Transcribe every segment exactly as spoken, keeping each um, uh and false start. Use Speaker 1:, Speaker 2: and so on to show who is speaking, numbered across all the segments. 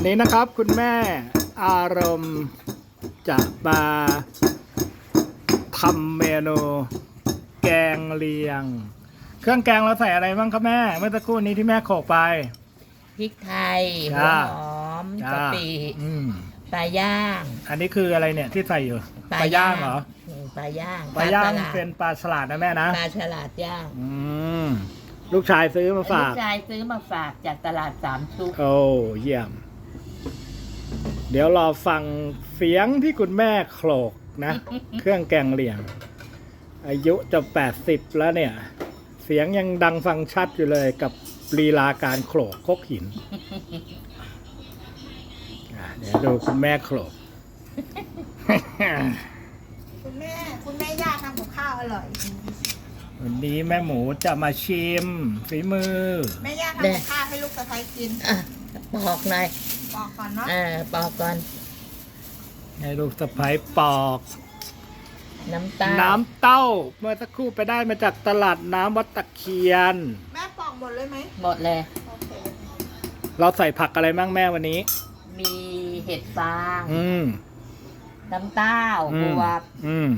Speaker 1: นี้นะครับคุณแม่อารมณ์จะมาทำเมนูแกงเลียงเครื่องแกงเราใส่อะไรบ้างครับแม่เมื่อสักครู่นี้ที่แม่โขลกไป
Speaker 2: พริกไทยหัวหอมกะปิปลาย่าง
Speaker 1: อันนี้คืออะไรเนี่ยที่ใส่อยู่ปลาย่างเหรอ
Speaker 2: ปลาย่าง
Speaker 1: ปลาย่างเป็นปลาฉลาดนะแม่นะ
Speaker 2: ปลาฉลาดย่าง
Speaker 1: อืมลูกชายซื้อมาฝาก
Speaker 2: ลูกชายซื้อมาฝากจากตลาดสามชุก
Speaker 1: โอ้เยี่ยมเดี๋ยวรอฟังเสียงที่คุณแม่โขลกนะ เครื่องแกงเลียงอายุจะแปดสิบแล้วเนี่ยเสียงยังดังฟังชัดอยู่เลยกับลีลาการโขลกครกหินเดี๋ยวดูคุณแม่โขลก
Speaker 3: คุณแม่คุณแม่ย่าทำกับข้าวอร่อย
Speaker 1: วันนี้แม่หมูจะมาชิมฝีมือ
Speaker 3: แม่ย่าทำกับข้าวให้ลูกสะใภ้กิน
Speaker 2: อ่ะปอกหน่อย
Speaker 3: ปอกก่อนเนาะ
Speaker 2: อ่าปอกก่อน
Speaker 1: ให้ลูกสะใภ้ปอก
Speaker 2: น้ำเต้า
Speaker 1: น้ำเต้าเมื่อสักครู่ไปได้มาจากตลาดน้ำวัดตะเคียน
Speaker 3: แม่ปอกหมดเลยไหม
Speaker 2: หมดเลย
Speaker 1: เราใส่ผักอะไรบ้างแม่วันนี้
Speaker 2: มีเห็ดฟาง
Speaker 1: อืม
Speaker 2: น้ำเต้าบวบ
Speaker 1: อืม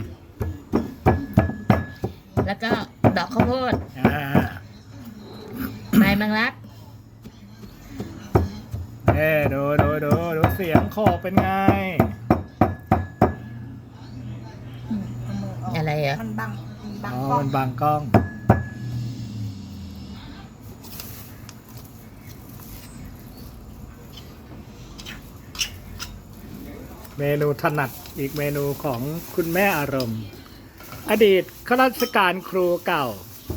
Speaker 2: แล้วก็ดอกข้าวโพด
Speaker 1: อ่า
Speaker 2: ใบมังลัก
Speaker 1: เอ้ดูดูดูดูเสียงโขกเป็นไง
Speaker 2: อะไรอ่ะ
Speaker 3: มันบังบัง
Speaker 1: อ๋อ
Speaker 3: กล้อง
Speaker 1: มันบังกล้องเมนูถนัดอีกเมนูของคุณแม่อารมณ์อดีตข้าราชการครูเก่า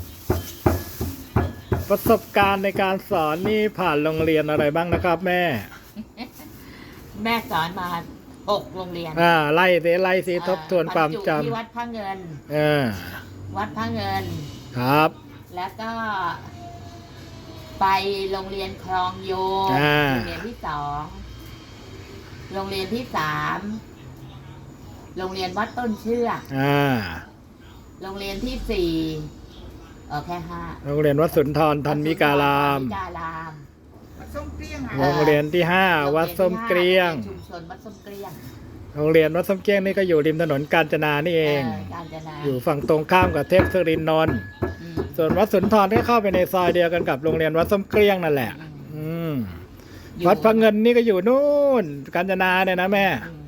Speaker 1: ประสบการณ์ในการสอนนี่ผ่านโรงเรียนอะไรบ้างนะครับแม่
Speaker 2: แม่สอนมาหกโรงเรียน
Speaker 1: อ่าไล่สิไล่สิทบทวนความจำ
Speaker 2: ที่วัดพระเงิน
Speaker 1: เออ
Speaker 2: วัดพระเงิน
Speaker 1: ครับ
Speaker 2: แล้วก็ไปโรงเรียนคลองโยงโรงเรียนที่สองโรงเรียนที่สามโรงเรียนวัดต้นเชือก
Speaker 1: อ่า
Speaker 2: โรงเรียนที่สี่เออแค่ห้า
Speaker 1: โรงเรียนวัดสุนทรธรรมิการาม
Speaker 3: วัดส้มเกลี้ยง
Speaker 1: โรงเรียนที่ห้าวัดส้มเกลี้ยง
Speaker 2: ชุมชนวัดส้มเกลี้ยง
Speaker 1: โรงเรียนวัดส้มเกลี้ยงนี่ก็อยู่ริมถนนกาญจนานี่เองอยู่ฝั่งตรงข้ามกับเทพศรินทร์นนท์ส่วนวัดสุนทรก็เข้าไปในซอยเดียวกันกับโรงเรียนวัดส้มเกลี้ยงนั่นแหละอืมวัดพระเงินนี่ก็อยู่นู่นกาญจนาเนี่ยนะแม่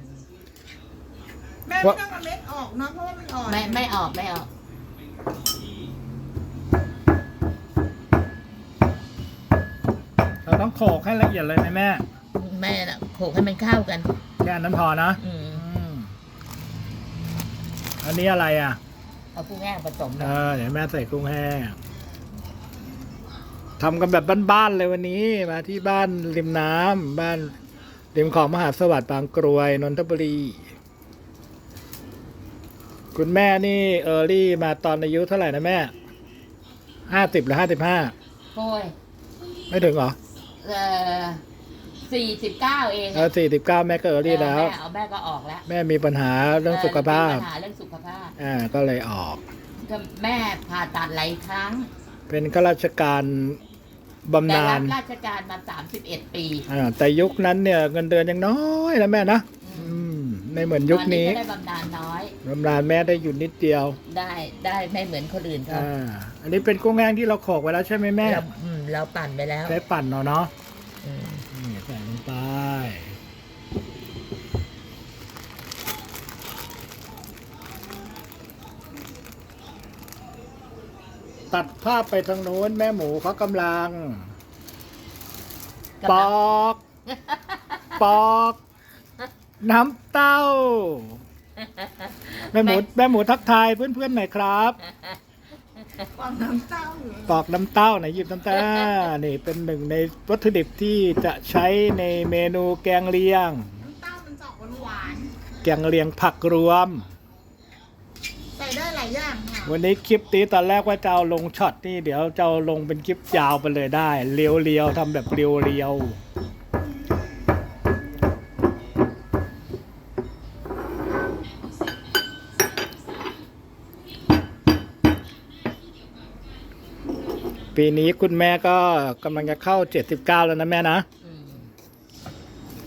Speaker 3: แม่ไม่ต้องเอาเม็ดออกเนาะเพราะว่ามันอ่อน
Speaker 2: ไม่ไม่ออกไม่ออก
Speaker 1: เราต้องโขลกให้ละเอียดเลยไหมแม่
Speaker 2: แม่น่ะโขลกให้มันเข้ากัน
Speaker 1: แค่นั้นพอนะอันนี้อะไรอ่ะ
Speaker 2: เอากุ้งแห้งผสม
Speaker 1: เออเดี๋ยวแม่ใส่กุ้งแห้งทำกันแบบบ้านๆเลยวันนี้มาที่บ้านริมน้ำบ้านริมของมหาสวัสดิ์บางกรวยนนทบุรีคุณแม่นี่เออรี่มาตอนอายุเท่าไหร่นะแม่ห้าสิบหรือห้าสิบห้า
Speaker 2: โอ้ย
Speaker 1: ไม่ถึงเหรอ
Speaker 2: เออสี่สิบเก้าเอง
Speaker 1: เออสี่สิบเก้าแม่ก็เออรี่แล้ว
Speaker 2: แม่เอาแม่ก็ออกแล้ว
Speaker 1: แม่มีปัญหาเรื่องสุขภาพ
Speaker 2: ปัญหาเรื่องสุขภาพ
Speaker 1: อ่าก็เลยออก
Speaker 2: แม่ผ่าตัดหลายครั้ง
Speaker 1: เป็นข้าราชการบำนาญ
Speaker 2: ราชการมาสามสิบเอ็ดปี
Speaker 1: อ่าแต่ยุคนั้นเนี่ยเงินเดือนยังน้อยนะแม่นะไม่เหมือนยุคนี้
Speaker 2: ได้บำนาญน้อย
Speaker 1: บำนาญแม่ได้อยู่นิดเดียว
Speaker 2: ได้ได้ไม่เหมือนคนอื่นเขา
Speaker 1: อ่าอันนี้เป็นกุ้งแห้งที่เราโขลกไว้แล้วใช่ไหมแม่
Speaker 2: เราเราปั่นไปแล้ว
Speaker 1: ใช้ปั่นเนาะเนาะนี่ใส่ลงไปตัดภาพไปทางโน้นแม่หมูเขากำลังปอกปอกน้ำเต้าแม่หมูแม่หมูทักทายเพื่อนๆหน่อยครับ
Speaker 3: ปอกน้ำเต้า
Speaker 1: ปอกน้ำเต้าไหนหยิบน้ำเต้านี่เป็นหนึ่งในวัตถุดิบที่จะใช้ในเมนูแกงเลียง
Speaker 3: น้ำเต้ามันจะออกหวาน
Speaker 1: แกงเลียงผักรวม
Speaker 3: ใส่ได้หลายอย่างค่ะ
Speaker 1: วันนี้คลิปนี้ตอนแรกว่าจะเอาลงช็อตนี่เดี๋ยวจะเอาลงเป็นคลิปยาวไปเลยได้เรียวๆทำแบบเรียวๆปีนี้คุณแม่ก็กำลังจะเข้าเจ็ดสิบเก้าแล้วนะแม่นะ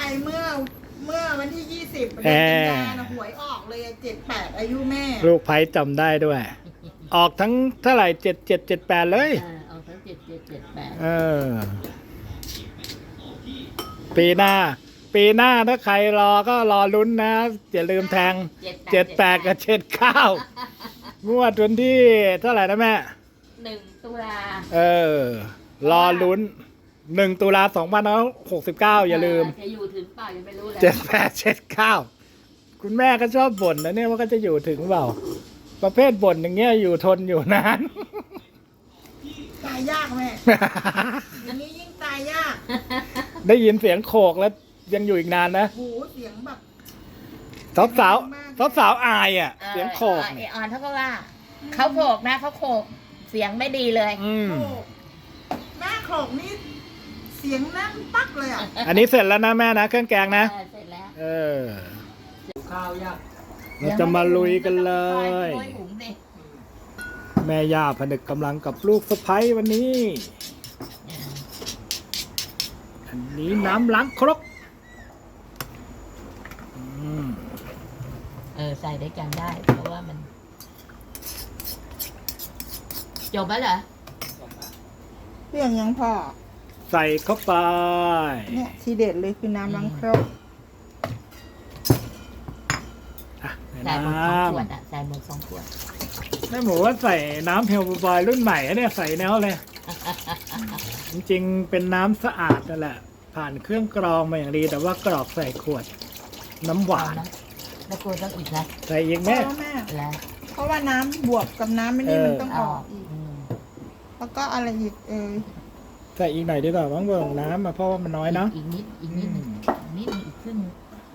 Speaker 3: เมื่อเมื่อวันที่ยี่สิบ
Speaker 1: แอ
Speaker 3: เดือน
Speaker 1: ร์
Speaker 3: กันยายนหวยออกเลยเจ็ดแปดอายุแม่
Speaker 1: ลูกไพ่จำได้ด้วย ออกทั้งเท่าไหร่เจ็ดเจ็ดเจ็ดแปดเลย
Speaker 2: เออเอาทั้งเจ็ดเจ็ดเจ็ดแปด
Speaker 1: เออ ปีหน้า ปีหน้าถ้าใครรอก็รอลุ้นนะ อย่าลืมแทงเจ็ดแปดกับเจ็ดเก้างวดวันที่เท่าไหร่นะแม่
Speaker 2: หนึ่งตุลา
Speaker 1: เออ รอลุ้นหนึ่งตุลาสองพันหกสิบเก้าอย่าลืม
Speaker 2: จะอยู่ถึงเปล่ายังไม่รู้เลย
Speaker 1: เจ็ดแปดเจ็ดเก้าคุณแม่ก็ชอบบ่นนะเนี่ยว่าก็จะอยู่ถึงเปล่า ประเภทบ่นอย่างเงี้ยอยู่ทนอยู่นาน
Speaker 3: ตายยากแม่ อันนี้ยิ่งตายยาก
Speaker 1: ได้ยินเสียงโขกแล้วยังอยู่อีกนานนะ
Speaker 3: หูเสียงแบบ
Speaker 1: สาวสาวสาวสาวๆอายอ่ะ
Speaker 2: ออ
Speaker 1: เสียงโขก
Speaker 2: ไอ
Speaker 1: เนี่ย
Speaker 2: ออนเขาก็ว่าเขาโขกนะเขาโขกเสียงไม่ดีเลย
Speaker 1: อืม
Speaker 3: โขกแม่โขกนี่เสียงแน่นปักเลยอ่ะ
Speaker 1: อันนี้เสร็จแล้วนะแม่นะเครื่องแกงนะ
Speaker 2: เออเสร็จแล้ว
Speaker 1: เออ
Speaker 4: ข้าวยาก
Speaker 1: เราจะมาลุยกันเลย
Speaker 2: โรยหุงสิ
Speaker 1: แม่ย่าผนึกกำลังกับลูกสะใภ้วันนี้ อันนี้น้ำล้างครกอืม
Speaker 2: เออใส่ด้วยกันได้ เพราะว่ามัน จบแล้วเหรอ
Speaker 3: เรื่องยังพอ
Speaker 1: ใส่เข้าไป
Speaker 3: เนี่ยทีเด็ดเลยคือน้ำล้างครก
Speaker 1: อ่ะ
Speaker 2: ใส่
Speaker 1: น้
Speaker 2: หมดสองขวดอ่ะใส่หมดสองขวด
Speaker 1: ำแม่หมูว่าใส่น้ำเฮลบอยรุ่นใหม่อะเนี่ยใส่แนวเลย จริงๆ เป็นน้ำสะอาดนั่นแหละ ผ่านเครื่องกรองมาอย่างดี แต่ว่ากรอกใส่ขวด น้ำหวาน
Speaker 2: เอนะแล้วกลัวต้องอีกนะ
Speaker 1: ใส่อีก
Speaker 3: เพ
Speaker 1: แม่
Speaker 3: ราะว่าแม่
Speaker 2: แล้ว
Speaker 3: เพราะว่าน้ำบวกกับน้ำไม่นี่
Speaker 1: เออ
Speaker 3: มันต้องอ
Speaker 2: เอา
Speaker 3: อกอีก
Speaker 2: อืม
Speaker 3: แล้วก็อะไรอีกเออ
Speaker 1: ใส่อีกหน่อยดีกว่าบ้างเบิ่งน้ำมาเพราะว่ามันน้อยเนาะ
Speaker 2: อีกนิดอีกนิดหนึงอีกนิดหนึงอีกครึ่งหนึ่ง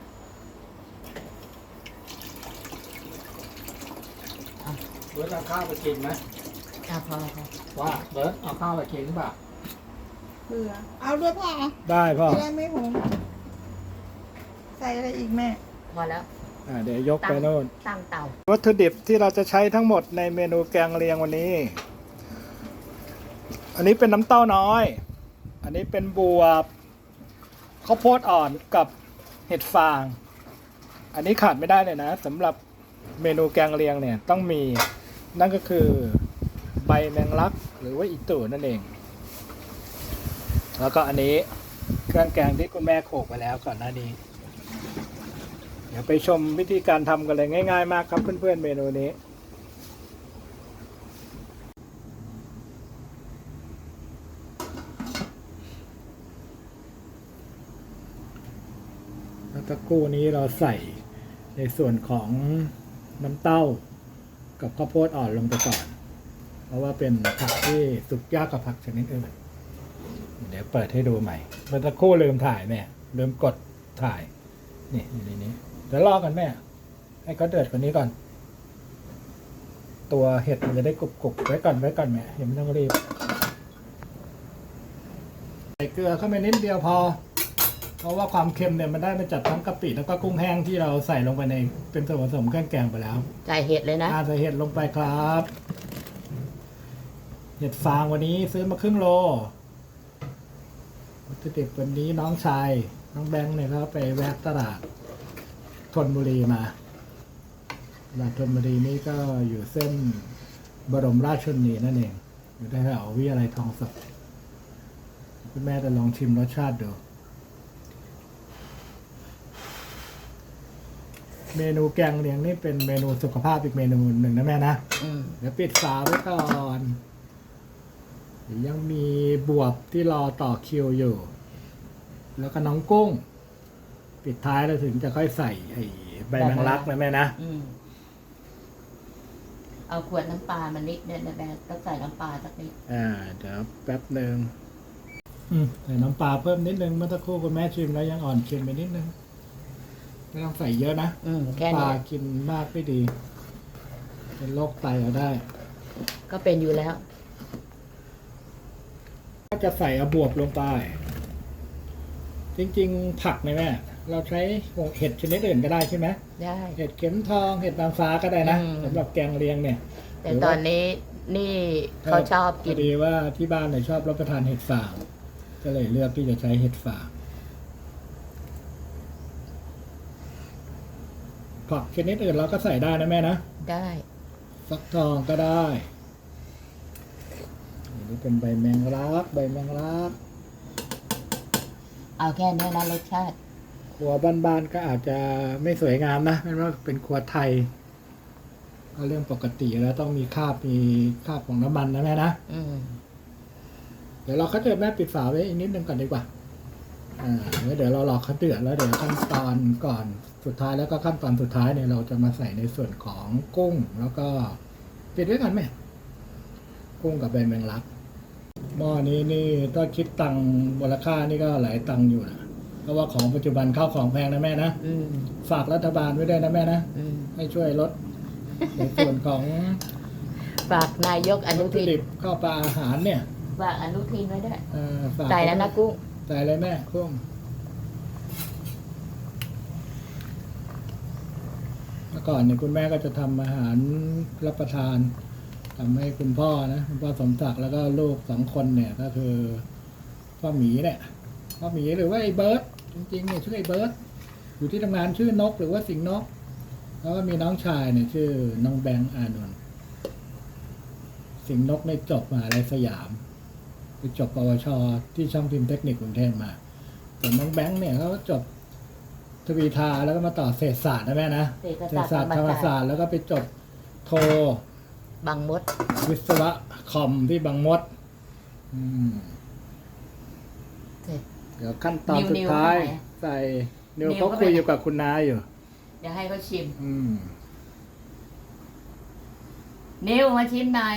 Speaker 4: เบิร์ดเอาข้าวไปกินไหม
Speaker 2: อ่ะพอพอ
Speaker 4: ว่าเบิร์ดเอาข้าวไปกินหรือเปล่า
Speaker 3: เบื่อเอาด้วยพ่อ
Speaker 1: ได้พ่อ
Speaker 3: จะได้ไม่หงใส่อะไรอีกแม่
Speaker 2: พอแล้ว
Speaker 1: อ่าเดี๋ยวยกไปโน่น
Speaker 2: ตั้งเตา
Speaker 1: วัตถุดิบที่เราจะใช้ทั้งหมดในเมนูแกงเลียงวันนี้ อันนี้เป็นน้ำเต้าน้อย อันนี้เป็นบวบข้าวโพดอ่อนกับเห็ดฟาง อันนี้ขาดไม่ได้เลยนะสำหรับเมนูแกงเลียงเนี่ยต้องมีนั่นก็คือใบแมงลักหรือว่าอีตู่นั่นเอง แล้วก็อันนี้เครื่องแกงที่คุณแม่โขลกไปแล้วก่อนหน้านี้ เดี๋ยวไปชมวิธีการทำกันเลยง่ายๆมากครับเพื่อนๆเมนูนี้ แล้วตะกู้นี้เราใส่ในส่วนของน้ำเต้ากับข้าวโพดอ่อนลงไปก่อน เพราะว่าเป็นผักที่สุกยากกับผักชนิดอื่น เดี๋ยวเปิดให้ดูใหม่เมื่อตะกู้ลืมถ่ายแม่ลืมกดถ่าย นี่อยู่ในนี้เดี๋ยวรอกันแม่ ให้เขาเดือดกว่านี้ก่อน ตัวเห็ดมันจะได้กรุบๆไว้ก่อนไว้ก่อนแม่ยังไม่ต้องรีบ ใส่เกลือเข้าไปนิดเดียวพอ เพราะว่าความเค็มเนี่ยมันได้มาจากทั้งกะปิแล้วก็กุ้งแห้งที่เราใส่ลงไปในเป็นส่วนผสมเครื่องแกงไปแล้ว
Speaker 2: ใส่เห็ดเลยนะ
Speaker 1: อาใส่เห็ดลงไปครับ เห็ดฟางวันนี้ซื้อมาครึ่งโลวัตถุดิบวันนี้น้องชายน้องแบงค์เนี่ยเขาไปแวะตลาดธนบุรีมาตลาดธนบุรีนี่ก็อยู่เส้นบรมราชชนนีนั่นเอง อยู่แถววิทยาลัยทองสดคุณแม่จะลองชิมรสชาติดู เมนูแกงเลียงนี่เป็นเมนูสุขภาพอีกเมนูหนึ่งนะแม่นะ
Speaker 2: อืม
Speaker 1: เดี๋ยวปิดฝาไว้ก่อนเดี๋ยวยังมีบวบที่รอต่อคิวอยู่ แล้วก็น้องกุ้ง ปิดท้ายเราถึงจะค่อยใส่ไอ้ใบแมงลักนะแม่นะ
Speaker 2: อืมเอาขวดน้ำปลามานิดเนี่ยนะแม่ต้องใส่น้ำปลาสักนิด
Speaker 1: อ่า เดี๋ยวแป๊บหนึ่งอืมใส่น้ำปลาเพิ่มนิดนึงเมื่อสักครู่คุณแม่ชิมแล้วยังอ่อนเค็มไปนิดนึงไม่ต้องใส่เยอะนะ
Speaker 2: อืมแค่
Speaker 1: ปลา
Speaker 2: นี้
Speaker 1: กินมากไม่ดี เป็นโรคไตเอาได้
Speaker 2: ก็เป็นอยู่แล้ว
Speaker 1: ก็จะใส่เอาบวบลงไป จริงๆ ผักเนี่ยแม่ เราใช้เห็ดชนิดอื่นก็ได้ใช่ไหม
Speaker 2: ได้
Speaker 1: เห็ดเข็มทอง เห็ดนางฟ้าก็ได้นะ
Speaker 2: อืม
Speaker 1: สำหรับแกงเลียงเนี่ย
Speaker 2: แต่ตอนนี้นี่เขาชอบ
Speaker 1: พ
Speaker 2: กิ
Speaker 1: อน ดีว่าที่บ้านเนี่ยชอบรับประทานเห็ดฟาง ก็เลยเลือกที่จะใช้เห็ดฟางผักชนิดอื่นเราก็ใส่ได้นะแม่นะ
Speaker 2: ได้
Speaker 1: ฟักทองก็ได้อันนี้เป็นใบแมงลักใบแมงลัก
Speaker 2: เอาแค่นี้นะรสชาติ
Speaker 1: ครัวบ้านๆก็อาจจะไม่สวยงามนะไม่ว่าเป็นครัวไทย ก็เรื่องปกติแล้วต้องมีคราบมีคราบของน้ำมันนะแม่นะ
Speaker 2: อืม
Speaker 1: เดี๋ยวเราก็จะแม่ปิดฝาไว้อีกนิดนึงก่อนดีกว่า อ่าแล้วเดี๋ยวเรารอเขาเดือดแล้วเดี๋ยวขั้นตอนก่อนสุดท้ายแล้วก็ขั้นตอนสุดท้ายเนี่ยเราจะมาใส่ในส่วนของกุ้ง แล้วก็ปิดไว้ก่อนแม่กุ้งกับใบแมงลักหม้อนี้นี่ถ้าคิดตังค์มูลค่านี่ก็หลายตังค์อยู่นะเพราะว่าของปัจจุบันข้าวของแพงนะแม่นะ
Speaker 2: อืม
Speaker 1: ฝากรัฐบาลไว้ด้วยนะแม่นะ
Speaker 2: อืม
Speaker 1: ให้ช่วยลดในส่วนของ
Speaker 2: ฝากนายกอนุ
Speaker 1: วัตถุ
Speaker 2: ทิน
Speaker 1: ดิบข้าวปลาอาหารเนี่ย
Speaker 2: ฝากอนุทินไว้ด้วย
Speaker 1: เอ่อฝาก
Speaker 2: ใส่แล้วนะกุ้ง
Speaker 1: ใส่เลยแม่กุ้งเมื่อก่อนเนี่ยคุณแม่ก็จะทำอาหารรับประทานทำให้คุณพ่อนะคุณพ่อสมศักดิ์แล้วก็ลูกสองคนเนี่ย ก็คือพ่อหมีเนี่ยพ่อหมีหรือว่าไอ้เบิร์ดจริงๆเนี่ยชื่อไอ้เบิร์ดอยู่ที่ทำงานชื่อนกหรือว่าสิงห์นก แล้วก็มีน้องชายเนี่ยชื่อน้องแบงค์อานนท์สิงห์นกในยจบมหาลัยสยามไปจบปวชที่ช่างพิมพ์เทคนิคกรุงเทพมาส่วนน้องแบงค์เนี่ยเขาจบทวีทาแล้วก็มาต่อเศรษฐศาสตร์นะแม่นะ
Speaker 2: เศรษฐศาสตร์
Speaker 1: ธรรมศาสตร์แล้วก็ไปจบโท
Speaker 2: บางมด
Speaker 1: วิศวะคอมที่บางมด อืม
Speaker 2: เสร็จ
Speaker 1: เดี๋ยวขั้นตอน
Speaker 2: นิว
Speaker 1: สุดท้าย
Speaker 2: นิวเข้าไป
Speaker 1: ใส่นิว
Speaker 2: นิว
Speaker 1: เขา
Speaker 2: เข้าไป
Speaker 1: คุยอยู่กับคุณนายอยู่
Speaker 2: เดี๋ยวให้เขาชิม
Speaker 1: อืม
Speaker 2: นิวมาชิมหน่อย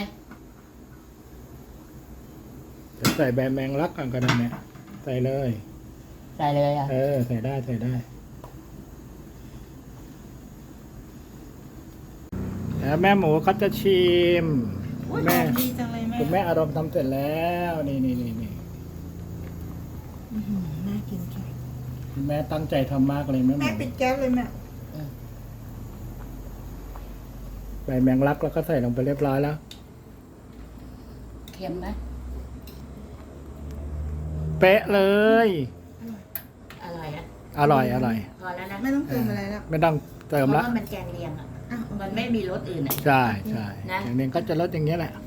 Speaker 1: จะใส่ใบแมงลักก่อนก็ได้เนี่ยใส่เลย
Speaker 2: ใส่เลยอ่ะ
Speaker 1: เออใส่ได้ใส่ได้แล้วแม่หมูเขาจะชิม
Speaker 3: อุ้ย
Speaker 1: แม่
Speaker 3: หอมดีจังเลยแม่
Speaker 1: คุณแม่อารมณ์ทำเสร็จแล้วนี่นี่นี่นี่
Speaker 3: อื้อหือน่ากินจัง
Speaker 1: คุณแม่ตั้งใจทำมากเลยแม่ห
Speaker 3: แม่
Speaker 1: มู
Speaker 3: ปิดแก๊สเลยแม่
Speaker 1: ใบแมงลักแล้วก็ใส่ลงไปเรียบร้อยแล้ว
Speaker 2: เค็มไหม
Speaker 1: เป๊ะเลย
Speaker 2: อร่อยอ่ะ
Speaker 1: อร่อยอร่อย
Speaker 2: พอแล้วนะ
Speaker 3: ไม่ต้องเติมอะไรแล้ว
Speaker 1: ไม่ต้องเติ
Speaker 2: เพ
Speaker 1: ม
Speaker 2: ราะ
Speaker 1: ละ
Speaker 2: ว่ามันแกงเลียงอ่ะ
Speaker 3: อ้าว
Speaker 2: มันไม่มีรสอื่นอ่ะ
Speaker 1: ใช่ใช่
Speaker 2: นะ
Speaker 1: อย่างนี้ก็จะลดอย่างนี้ยแหละ